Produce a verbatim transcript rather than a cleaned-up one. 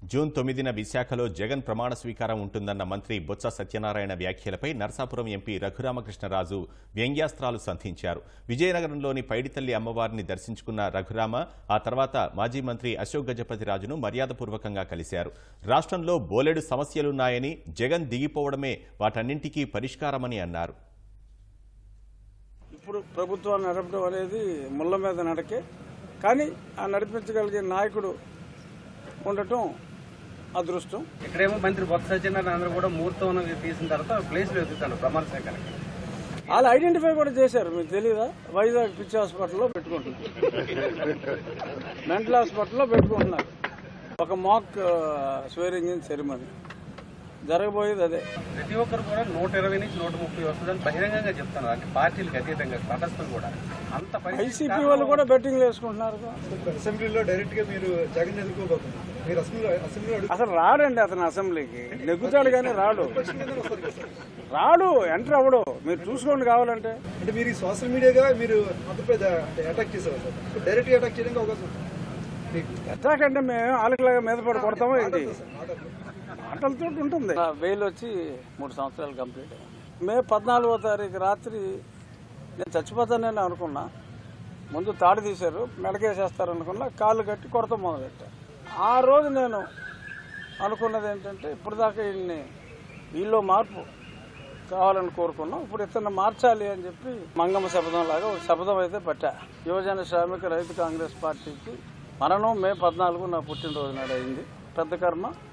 June తొమ్మిదిన విశాఖలో జగన్ ప్రమాణ స్వీకారం ఉంటుందన్న మంత్రి బొత్స సత్యనారాయణ వ్యాఖ్యలపై నర్సాపురం ఎంపీ రఘురామకృష్ణరాజు వ్యంగ్యాస్త్రాలు సంధించారు. విజయనగరంలోని పైడితల్లి అమ్మవారిని దర్శించుకున్న రఘురామ ఆ తర్వాత మాజీ మంత్రి అశోక్ గజపతిరాజును మర్యాదపూర్వకంగా కలిశారు. రాష్ట్రంలో బోలెడు సమస్యలున్నాయని, జగన్ దిగిపోవడమే వాటన్నింటికీ పరిష్కారమని అన్నారు. ఇప్పుడు ప్రభుత్వాన్ని నడపడం అనేది ముళ్ళ మీద నడకే, కానీ ఆ నడిపించగలిగే నాయకుడు ఉండటం అదృష్టం. ఇక్కడేమో మంత్రి బొత్స సత్యనారాయణ అందరూ కూడా ముహూర్తం తీసిన తర్వాత ప్లేస్ వెతుకుతాను ప్రమాణ స్వీకారానికి. వాళ్ళు ఐడెంటిఫై కూడా చేశారు, మీకు తెలియదా? వైజాగ్ పిచ్చి హాస్పిటల్లో పెట్టుకుంటున్నారు, మెంటల్ హాస్పిటల్లో పెట్టుకుంటున్నారు. ఒక మాక్ స్వేరింగ్ ఇన్ సెరిమనీ జరగబోయేది అదే. ప్రతి ఒక్కరు కూడా నూట ఇరవై నుంచి నూట ముప్పై వస్తుందని బహిరంగంగా చెప్తున్నారు. అంటే పార్టీలకు అతీతంగా తటస్థులు కూడా అంత వైసీపీ వాళ్ళు కూడా బెట్టింగ్లు వేసుకుంటున్నారు. అసెంబ్లీలో డైరెక్ట్ గా మీరు జగన్ ఎదుర్కోబోతున్నారు. మీరు అసెంబ్లీ అసలు రాడండి అతను, అసెంబ్లీకి నెగ్గుతాడు కానీ రాడు రాడు ఎంటర్ అవ్వడు. మీరు చూసుకోండి కావాలంటే. అంటే మీరు సోషల్ మీడియాగా మీరు అంతపై అటాక్ చేసేవారు సార్, డైరెక్ట్ గా అటాక్ చేయడానికి అవకాశం ఉంది. అటాక్ అంటే మేము ఆలకలాగా మీద పడి కొడతామో ఏంటి? మాటలతో ఉంటుంది. బెయిల్ వచ్చి మూడు సంవత్సరాలు కంప్లీట్ అయ్యింది. మే పద్నాలుగో తారీఖు రాత్రి నేను చచ్చిపోతానని అనుకున్నా. ముందు తాడు తీశారు, మెడకేసేస్తారు అనుకున్నా, కాళ్ళు కట్టి కొడత మొదలెట్టారు. ఆ రోజు నేను అనుకున్నది ఏంటంటే, ఇప్పుడు దాకా వీళ్ళని వీళ్ళు మార్పు కావాలని కోరుకున్నాం, ఇప్పుడు ఇతను మార్చాలి అని చెప్పి మంగమ్మ శపథం లాగా ఒక శపథం అయితే పట్టా. యువజన శ్రామిక రైతు కాంగ్రెస్ పార్టీకి మరణం మే పద్నాలుగు నా పుట్టినరోజు నాడు అయింది. పెద్ద కర్మ